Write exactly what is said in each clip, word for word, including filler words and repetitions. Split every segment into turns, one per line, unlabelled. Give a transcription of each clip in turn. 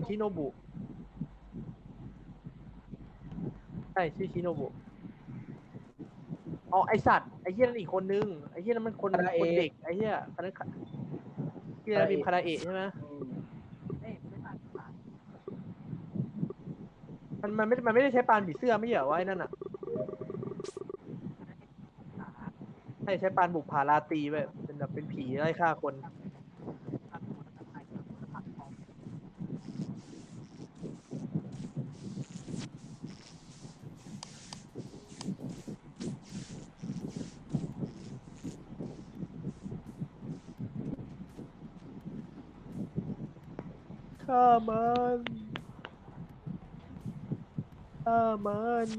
ชิโนบุใช่ชื่อชิโนบุอ๋อไอสัตว์ไอเหี้ยนั่นอีกคนนึงไอเหี้ยนั่นมันคนคนเด็กไอเหี้ยอันนั้นที่เราบิมคาราเอะใช่ไหมมันมันไม่มันไม่ได้ใช้ปานผีเสื้อไม่เหรอวะไอ้นั่นอ่ะใช่ใช้ปานบุกผาราตรีแบบเป็นแบบเป็นผีไล่ฆ่าคนฆ่ามันฆ่ามัน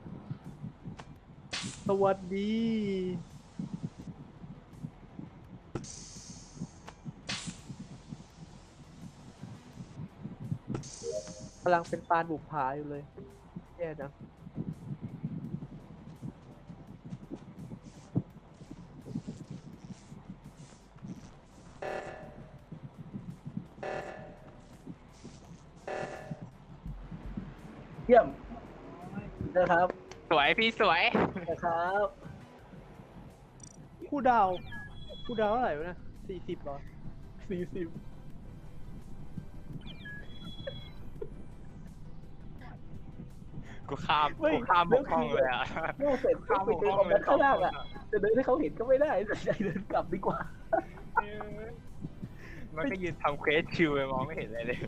สวัสดีกำลังเป็นปานบุกผาอยู่เลยแย่จัง
เยี่ยมนะครับ
สวยพี่สวย
นะครับ
คู่ดาวคู่ดาวเท่าไหร่วะนะสี่สิบหรอสี่สิบ
กูข้ามกูข้ามบกห้องเลยอ่ะ
โม่เสร็จข้ามไปเดินออกมาข้างล่างอ่ะจะเดินให้เขาเห็นก็ไม่ได้แต่ใจเดินกลับดีกว่า
มันก็ยืนทำเควสชิวไปมองไม่เห็นอะไรเลย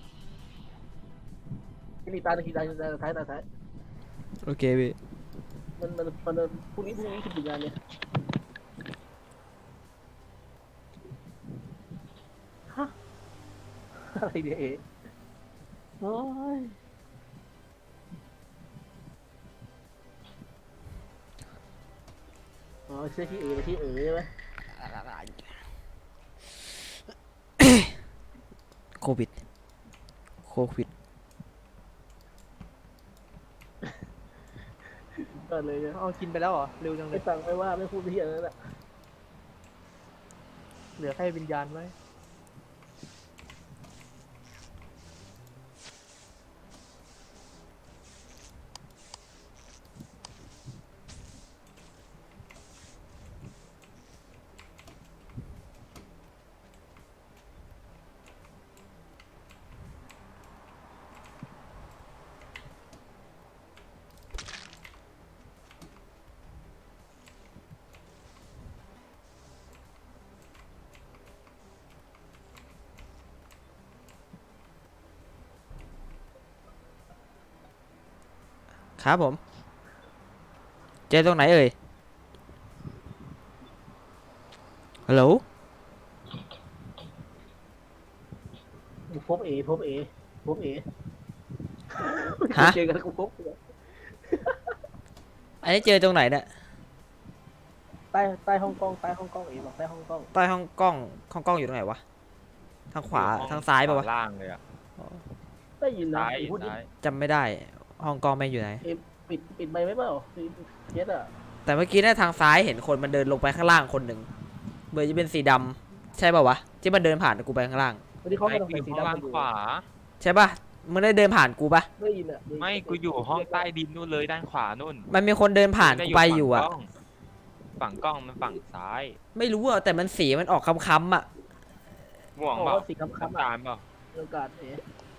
นี่ตาทีตาตาท้ายตาท้าย
โอเคพี่
มันมันมันพรุ่งนี้พรุ่งนี้คือถึงงานเนี่ยฮะอะไรเนี่ยเอ๋โอ้ยอ๋อเชื่อที่เอ๋ไปที่เอ๋ใช่ไหม
โควิดโควิด
ก็เลย
เอากินไปแล้วเหรอเร็วจังเล
ไม่
ย
ฟังไม่ว่าไม่พูดที่อะไรนั่นแหละ
เหลือแค่วิญญาณไว้
ครับผมเจอตรงไหนเอ่ยฮัลโหล
พบเอพบเอพบเอ
ฮะ
เจอกันกูพบ
อันนี้เจอตรงไหนเนี่ย
ใต้ใต้ฮ่องกงใต้ฮ่องกงเอบอกใต้ฮ่องกง
ใต้ห้องกล้องห้องกล้องอยู่ตรงไหนวะทางขวาทางซ้ายป่าวะ
ล่างเลยอ่ะ
ได้ยินนะ
ซ้าย
พูดดิ
ซ้าย
จำไม่ได้ห้องกล้องแม่งอยู่ไหน
เอปิดปิดไมค์ไหมเปล่าเย็ดอ่ะ
แต่เมื่อกี้เนี่ยทางซ้ายเห็นคนมันเดินลงไปข้างล่างคนหนึ่งเบอร์จะเป็นสีดำใช่ป่าวะที่มันเดินผ่านกูไปข้างล่าง
วันนี้เขา
ไม่
กำลัง
กู
ใส่
อยู่
สี
ห้อง
ดำ
ล่าง
อยู่
ขวา
ใช่ป่ะมึงได้เดินผ่านกูปะ
ได้ยินอ่ะ
ไม่กูอยู่ห้องใต้ดินนู่นเลยด้านขวานู่น
มันมีคนเดินผ่านกูไปอยู่อะ
ฝั่งกล้องมันฝั่งซ้าย
ไม่รู้อะแต่มันสีมันออกค้ำๆอะ
ม่วง
บอก
เปล่า
ว่าสีคำคำ
น้ำตาลเปล่า
โอกาสเอ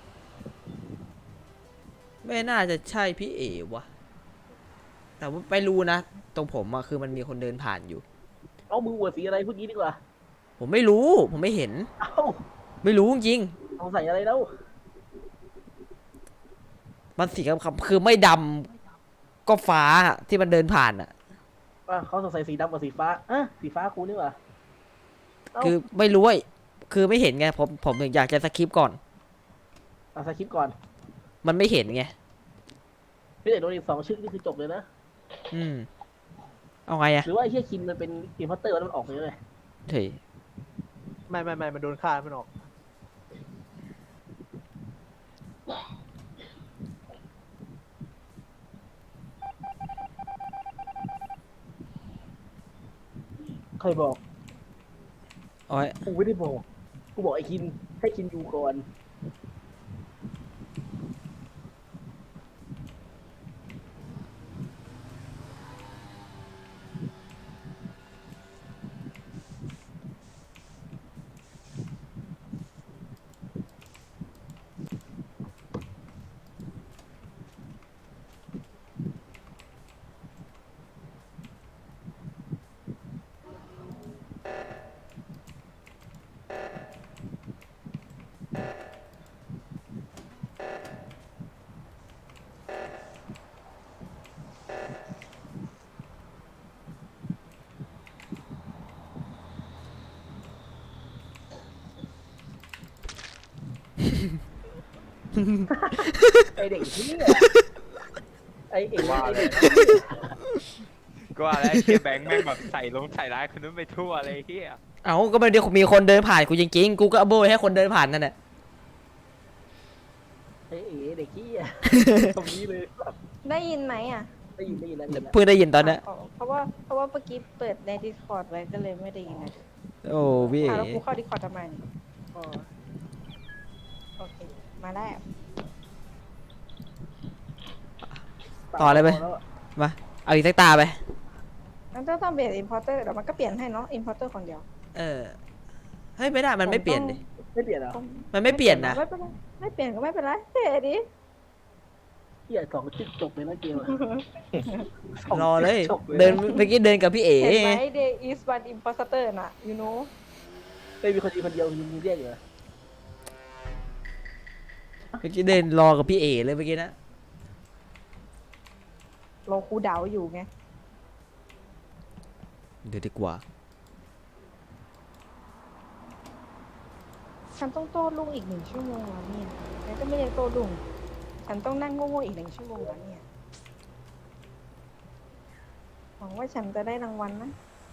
ไม่น่าจะใช่พี่เอ๋วะแต่ว่าไม่รู้นะตรงผมอะคือมันมีคนเดินผ่านอยู่
เอามือหัวสีอะไรพูดงี้ดีกว่า
ผมไม่รู้ผมไม่เห็น
เอ้า
ไม่รู้จริง
เอาใส่อะไรแล้ว
มันสีคำๆคือไม่ดำก็ฟ้าอะที่มันเดินผ่านอะ
ว่าเขาใส่สีดำกับสีฟ้าอ่ะสีฟ้าคูนี่ว่ะ
คือไม่รู้ว่าคือไม่เห็นไงผมผมถึงอยากจะสคิปก่อน
เอาสคริปต์ก่อน
มันไม่เห็นไง
พี่เด็กโดนอีกสองชื่อนี่คือจบเลยนะ
อืมเอาไงอะ
หรือว่าไอ้เฮียคินมันเป็นอินพัตเตอร์แล้วมันออกไปเลย
เฮ้ย
ไม่ไม่ไม่มันโดนฆ่ามันออก
ใครบอก
โอ้ย
กูไม่ได้บอก กูบอกไอ้คินให้คินอยู่ก่อนไอเด็กที่ไอเอ๋
ว่าเลยก็ว่าแล้วไอ้เฮียแบงค์แม่งแบบใส่ลงใส่ร้ายคนนู้นไปทั่วเลยไอ้เฮีย
เอ้าก็มันเดี๋ยวมีคนเดินผ่านกูจริงๆกูก็เอาโบยให้คนเดินผ่านนั่นแหละ
ไอเอ๋เด็กที่ตรงนี้เลย
ได้ยินไหมอ่ะ
ได้ยินได้ยินแล้วได้ยินแล้ว
เพิ่งได้ยินตอนเนี้ย
อ๋อเพราะว่าเพราะว่าเมื่อกี้เปิดใน Discord ไว้ก็เลยไม่ได้ยินนะ
โอ้พี่
อ่ะ
เอ๋
แล้วกูเข้า Discord ทำไมเนี่ยอ๋อโอเค มาได้
ต่อเลยไปมาเอาอีกสักตาไป
งั้นต้องต้องเปลี่ยน Importer เดี๋ยวมันก็เปลี่ยนให้เนาะ Importer คนเดียว
เออเฮ้ยไม่ได้มันไม่เปลี่ยนดิ
ไม่เปลี่ยนเหรอ
มันไม่เปลี่ยนนะ
ไม่เป็นไรไม่เปลี่ยนก็ไม่เป็นไรเท่ดิ
เที่ยสองจิ๊กจบเลยนะเกม
รอเลยเดินเมื่อกี้เดินกับพี่เอ๋
เห็นไหม There is one imposter น่ะ you know
ไม่มีคนดีคนเดียวมีเรียกอยู่
เมื่อกี้เดินรอกับพี่เอ๋เลยเมื่อกี้นะ
เราคูลดาวน์อยู่ไง
เดี๋ยวดีกว่า
ฉันต้องโต้ลุงอีกหนึ่งชั่วโมงแล้วเนี่ยฉันก็ไม่ได้โต้ลุงฉันต้องนั่งโง่ๆอีกหนึ่งชั่วโมงแล้วเนี่ยหวังว่าฉันจะได้รางวัลนะ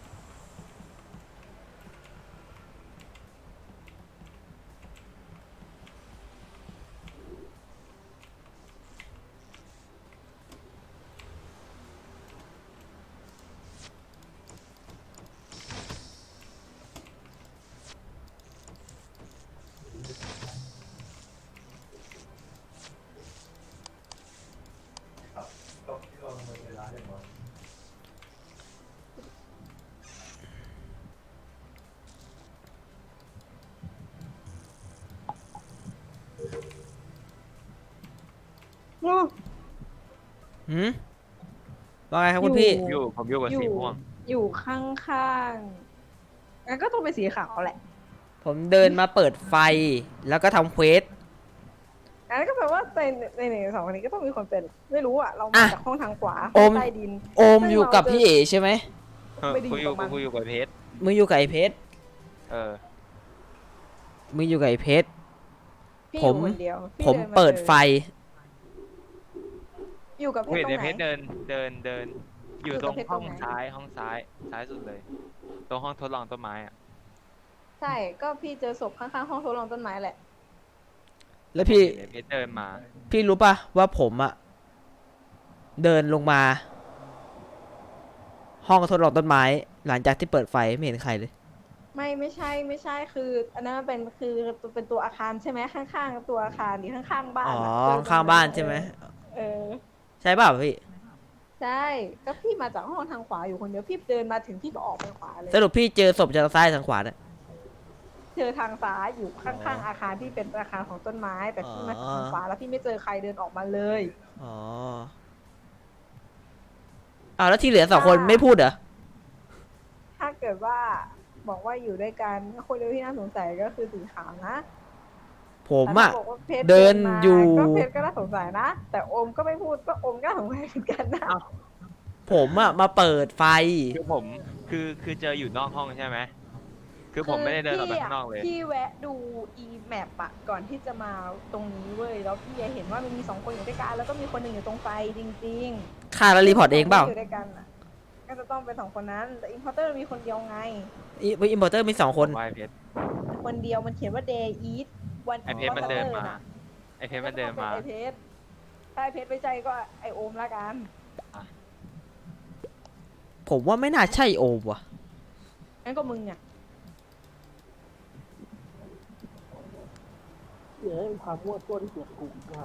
หืมว่าไงครับคุณพี่
อยู่ผมอยู่กับสีม่วง
อยู่ข้างๆงั้นก็ต้องเป็นสีขาวแหละ
ผมเดินมาเปิดไฟแล้วก็ทำเควส
อันนั้นก็แปลว่าในในหนึ่งสองคนนี้ก็ต้องมีคนเป็น ไม่รู้อ่ะ เรามา
อ่ะ
จากห้องทางขวา
โอม
ใต้ดิน
โอมอยู่กับพี่เอ๋ใช่ไหม
เออ
ไม่ได้อยู่
กูอยู่
กับมัน
กูอยู่กับเพชร
มึงอยู่กับไอ้เพชร
เออ
มึงอยู่กับไอ้เพชร
พี่
ผ
อยู่
ม
คนเดียวพี่
ผม
นมา
เปิดไฟ
อยู่กับเพ
กู
ช
เห็
ร
น
ตรง
ไอ้
ไห
เพชร
น
เดินเดินเดิน อยู่
อยู่
ต
กั
ร
บ
ง
เพชร
ห้อง
ตรงไหน
ซ้ายห้องซ้ายซ้ายสุดเลย ตรงห้องทดลองต้นไม้อ่ะ
ใช่ ก็พี่เจอศพข้างๆห้องทดลองต้นไม้แหละ
แล้วพี่
เห็นไอ้เพชรเดินมา
พี่รู้ป่ะว่าผมอะเดินลงมา ห้องทดลองต้นไม้ หลังจากที่เปิดไฟไม่เห็นใครเลย
ไม่ไม่ใช่ไม่ใช่คือ อันนั้นมันเป็นคือเป็นตัวอาคารใช่ไหมข้างๆตัวอาคารดีข้างๆบ้าน
อ๋อ
อะเจอตร
ข้างบ้านใช่ไหม
เออ
ใช่ป่ะพี่
ใช่ก็พี่มาจากห้องทางขวาอยู่คนเดียวพี่เดินมาถึงพี่ก็ออกไปขวาเลย
สรุปพี่เจอศพจากซ้ายทางขวาเนี่ย
เจอทางซ้ายอยู่ข้างๆอาคารที่เป็นอาคารของต้นไม้ แต่พี่มาทางขวาแล้วพี่ไม่เจอใครเดินออกมาเลย
อ๋ออ้าวแล้วที่เหลือสองคนไม่พูดเหรอ
ถ้าเกิดว่าบอกว่าอยู่ด้วยกันคนเดียวที่น่าสงสัยก็คือสีขาวนะ
ผมอะ
แต่ถ้าบอกว่าพชร
เดิน
มา
อยู่
ก็เพชรก็น่าสงสัยนะ แต่โอมก็ไม่พูดก็โอมก็น่าสงสัยเหมือนกันนะ
ผมอะมาเปิดไฟ
คือผมคือคือเจออยู่นอกห้องใช่ไหมคือผมไม่ได้เดินออกไปข้างนอกเลย
พี่แวะดู e map อะก่อนที่จะมาตรงนี้เว้ยแล้วพี่เห็นว่ามันมีสองคนอยู่ด้วยกันแล้วก็มีคนหนึ่งอยู่ตรงไฟจริงๆ
ค่าแล้วรีพอร์ตเองเปล่า
อยู่ด้วยกันอะก็จะต้องเป็นสองคนนั้นแต่ importer มีคนเดียวไง
อิอิมพอร์เตอร์มีสองคน
ผมว่าไอ้เพชร
คนเดียวมันเขียนว่า day eat one
ไอ้เพชรมันเดินมา
น่ะ
ไอ้เพชรมันเดินมา
ไอเพชรถ้าไอเพชรไม่ใจก็ไอโอมละกัน
ผมว่าไม่น่าใช่โอมว่ะ
งั้นก็มึงอ่ะ
เดี๋ยวเป็นความมั่วตัวที่เสียกลุ่มมาก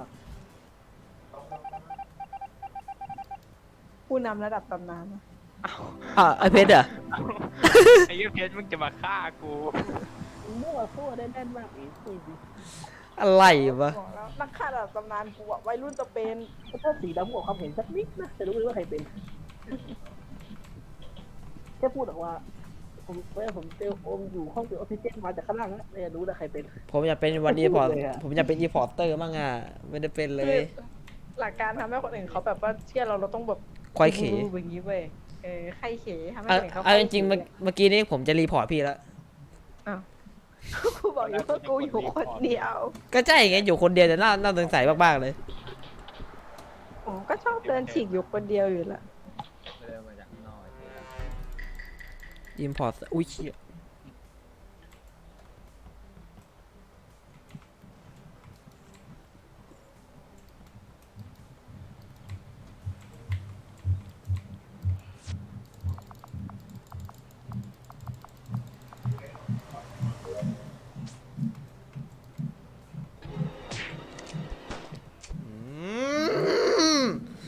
ผู้นำระดับตำนาน
อ่ะไอเพชรเหรอ
ไอ้เหี้ยเพชรมึงจะมาฆ่ากู
มั่วตัวได้แน่นมากอีกจริง
อะไรวะ
บอกแล้วนักฆ่าระดับตำนานกูอะวัยรุ่นจะเป็น
ถ้าสีดำบอกความเห็นสักนิดนะจะรู้เลยว่าใครเป็นแค่พูดออกว่าผมเมื่อผมเจอโอมอยู่ห้องเก็บออกซิเจนมาจากข้างล่างแล้วเนี่ยรู้แล้วใครเป็น
ผมอยากเป็นวันอีพอร์ต
เลยอะ
ผมอยากเป็นอีพอร์เตอร์มั่งอ่ะ ไม่ได้เป็นเล
คือย หลักการทำให้คนอื่นเขาแบบว่าเชื่อเราเราต้องแบบ
ควายเข
รู้แบบนี้เว้ยเออใครเขทำให้
เอา
คนอื่นเขา
เอาจริงๆเมื่อเมื่อกี้นี้ผมจะรีพอร์ตพี่แล้ว
อ้าวกูบอกอยู่ว่ากูอยู่คนเดียว
ก็ใช่ไงอยู่คนเดียวแต่น่าน่าสงสัยมากๆเลย
ผมก็ชอบเดินฉีกอยู่คนเดียวอยู่ละ
เดินมาจากข้างนอกเจ๊
อิมพอร์ตอุ้ยเชี่ยอืม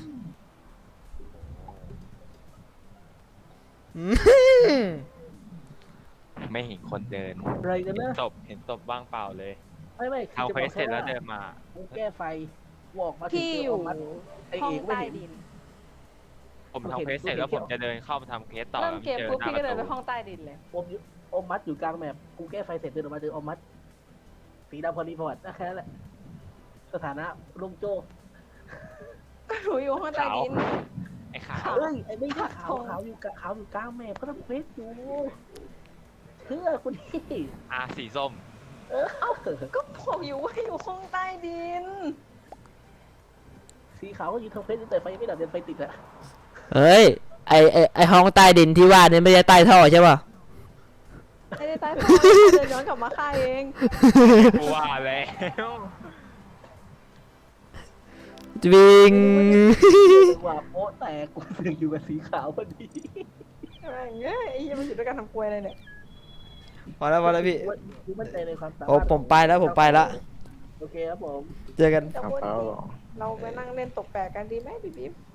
อืม
ไม่เห็นคนเดิน
อะไรกัน
เห็น
นะ
ศพเห็นศพว่างเปล่าเลย
ไม่ไม่
เอาเควสเสร็จแล้วเดินมา
กูแก้ไฟกูออกมาถึง
พี่
เจ
อยู่
อมัดไอ
ห้อ
เอง กไม่
ใต้
เห็น
ดิน
ผมทำเควสเสร็จแล้วผมจะเดินเข้ามาทำเควสต่อ
เริ่ม
แล้ว
เกม
เจอ
ปุ๊บ
หน้า
พี่
ป
ก็
ระ
เดินไป
ตู
ห้องใต้ดินเลย
อมอยู่อมมัดอยู่กลางแมปกูแก้ไฟเสร็จเดินออกมาเจออมมัดสีดำพอดีพอดนะแค่นั้นแหละสถานะลุงโจ
ก็หนูอยู่ห้องใต้ดิน
ไอ้ขาว
เอ้ยไอ้ไม่ใช่ขาว
ขาว
ขาวอยู่กลางขาวอยู่กลางแมปก็ต้องเฟซอยู่เชื่อคุณพี่
อาสีส้ม
เออ
ก็บอกอยู่ว่าอยู่ห้องใต้ดิน
สีขาวก็อยู่ทางเฟซแต่ไฟยังไม่ดับยังไฟติดอะ
เฮ้ย ไอไอไอห้องใต้ดินที่ว่านี่ไม่ใช่ใต้ท่อใช่ป่ะ
ไม่ได้ใต้ท้องเดินย้อนกลับมาฆ่าเอง
กูว่าแล้ว
จวิง
จังหวะโป๊ะแตกกูถึงอยู่กับสีขาวพอดี
อะไรเงี้ยไอ้ยี่มันอยู่ด้วยกันทำกลวยอะไรเนี่ย
พอแล้วพอแล้วพี่
กูมั่นใจในความสามารถ
โอ้ผมไปแล้วผมไปละ
โอเคครับผม
เจอกัน
จะวนอีกเราไปนั่งเล่นตกแปลกกันดีไหมพี่บิ๊บ